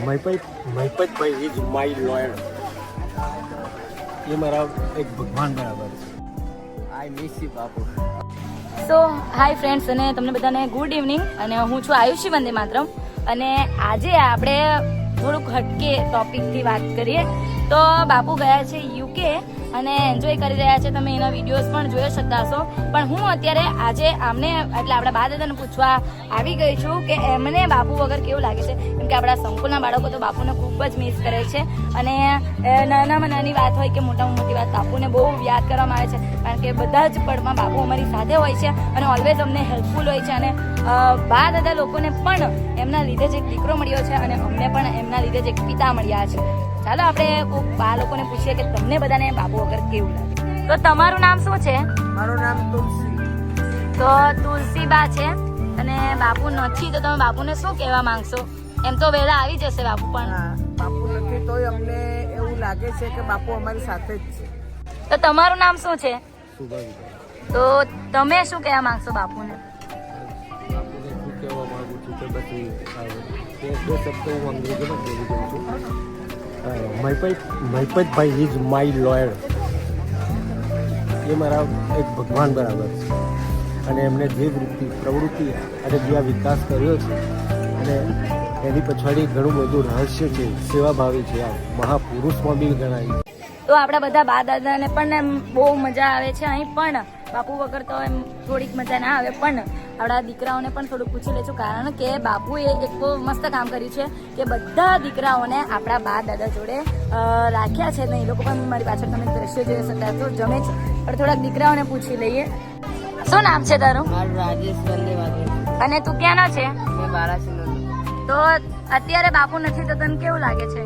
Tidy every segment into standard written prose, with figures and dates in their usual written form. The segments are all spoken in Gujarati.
મહિપતભાઈ ઇઝ માય લોયર. એ મારા એક ભગવાન બરાબર છે. આઈ મિસ યુ બાપુ. સો હાય ફ્રેન્ડ્સ, અને તમને બધાને ગુડ ઇવનિંગ. અને હું છું આયુષી વંદે માતરમ. અને આજે આપણે થોડુંક હટકે ટોપિકથી વાત કરીએ તો બાપુ ગયા છે યુકે અને એન્જોય કરી રહ્યા છે. તમે એના વિડીયોઝ પણ જોઈ શકતા હશો. પણ હું અત્યારે આજે આમને એટલે આપણા બા દાદાને પૂછવા આવી ગઈ છું કે એમને બાપુ વગર કેવું લાગે છે. કેમ કે આપણા સંકુલના બાળકો તો બાપુને ખૂબ જ મિસ કરે છે. અને નાનામાં નાની વાત હોય કે મોટામાં મોટી વાત બાપુને બહુ યાદ કરવામાં આવે છે. કારણ કે બધા જ પળમાં બાપુ અમારી સાથે હોય છે અને ઓલવેઝ અમને હેલ્પફુલ હોય છે. અને બા દાદા લોકોને પણ એમના લીધે જ એક દીકરો મળ્યો છે અને અમને પણ એમના લીધે જ એક પિતા મળ્યા છે. ચાલો આપણે બા લોકોને પૂછીએ કે તમને બધાને બાપુ વગર કેવું લાગે. તો તમારું નામ શું છે? મારું નામ તુલસી. તો તુલસીબા છે અને બાપુ નથી તો તમે બાપુને શું કહેવા માંગશો? એમ તો વહેલા આવી જશે બાપુ, પણ બાપુ નથી તોય અમને એવું લાગે છે કે બાપુ અમારી સાથે જ છે. તો તમારું નામ શું છે? શુભાંગી. તો તમે શું કહેવા માંગશો બાપુને? બાપુને શું કહેવા માંગુ છું કે બધી બે શબ્દો હું અંગ્રેજીમાં બોલી દઉં છું. Mahipatbhai is my lawyer. એ મારા એક ભગવાન બરાબર છે. અને એમને જે પ્રવૃત્તિ અને જે આ વિકાસ કર્યો છે અને એની પછાડી ઘણું બધું રહસ્ય છે, સેવાભાવી છે. આ મહાપુરુષમાં બી ગણાય. તો આપણા બધા બા દાદાને પણ એમ બહુ મજા આવે છે અહીં, પણ બાપુ વગર તો એમ થોડીક મજા ના આવે. પણ આપણા દીકરાઓને પણ થોડુંક પૂછી લેશું, કારણ કે બાપુએ એક બહુ મસ્ત કામ કર્યું છે કે બધા દીકરાઓને આપણા બા દાદા જોડે રાખ્યા છે. ને એ લોકો પણ મારી પાછળ તમે દ્રશ્ય જોઈ શકતા તો જમે છે. પણ થોડાક દીકરાઓને પૂછી લઈએ. શું નામ છે તારું? મારું રાજેશ વંદે માતરમ. અને તું ક્યાંનો છે? મેં બારાસીનો. તો અત્યારે બાપુ નથી તો તને કેવું લાગે છે?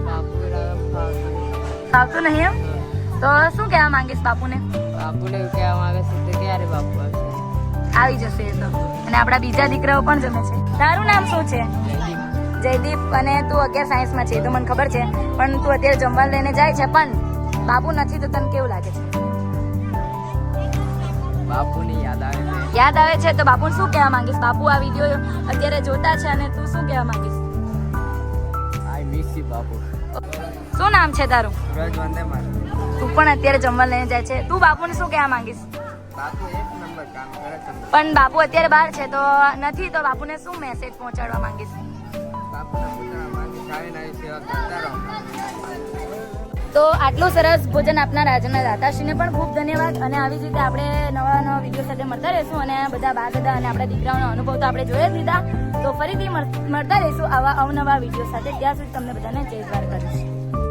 બાપુ આવતું નહીં એમ? તો શું કહેવા માંગીશ બાપુને? બાપુને એવું કહેવા માંગે છે કે ક્યારે બાપુ આવશે? આવી જશે એ તો. અને આપણા બીજા દીકરાઓ પણ જમે છે. તારું નામ શું છે? જયદીપ. અને તું 11 સાયન્સમાં છે તો મને ખબર છે, પણ તું અત્યારે જમવા લઈને જાય છે. પણ બાપુ નથી તો તને કેવું લાગે છે? બાપુની યાદ આવે છે. યાદ આવે છે તો બાપુને શું કહેવા માંગીશ? બાપુ આ વિડીયો અત્યારે જોતા છે અને તું શું કહેવા માંગીશ? આઈ મિસ યુ બાપુ. શું નામ છે તારું? સુરજ વંદે માતરમ. તું પણ અત્યારે જમવા લઈને જાય છે. તું બાપુને શું કહેવા માંગીશ? બાપુ એક નંબર કામ કરે છે. પણ બાપુ અત્યારે બહાર છે તો નથી, તો બાપુને શું મેસેજ પહોંચાડવા માંગીશ? બાપુને પૂછવા માંગે સારી નારી સેવા કરતા રહો. તો આટલું સરસ ભોજન આપનાર આજના દાતાશ્રીને પણ ખૂબ ધન્યવાદ. અને આવી જ રીતે આપણે નવા નવા વિડીયો સાથે મળતા રહીશું. અને બધા બા દાદા અને આપણા દીકરાઓનો અનુભવ તો આપણે જોઈ જ લીધા. તો ફરીથી મળતા રહીશું આવા અવનવા વિડીયો સાથે. ત્યાં સુધી તમને બધાને જય દ્વારકાધીશ.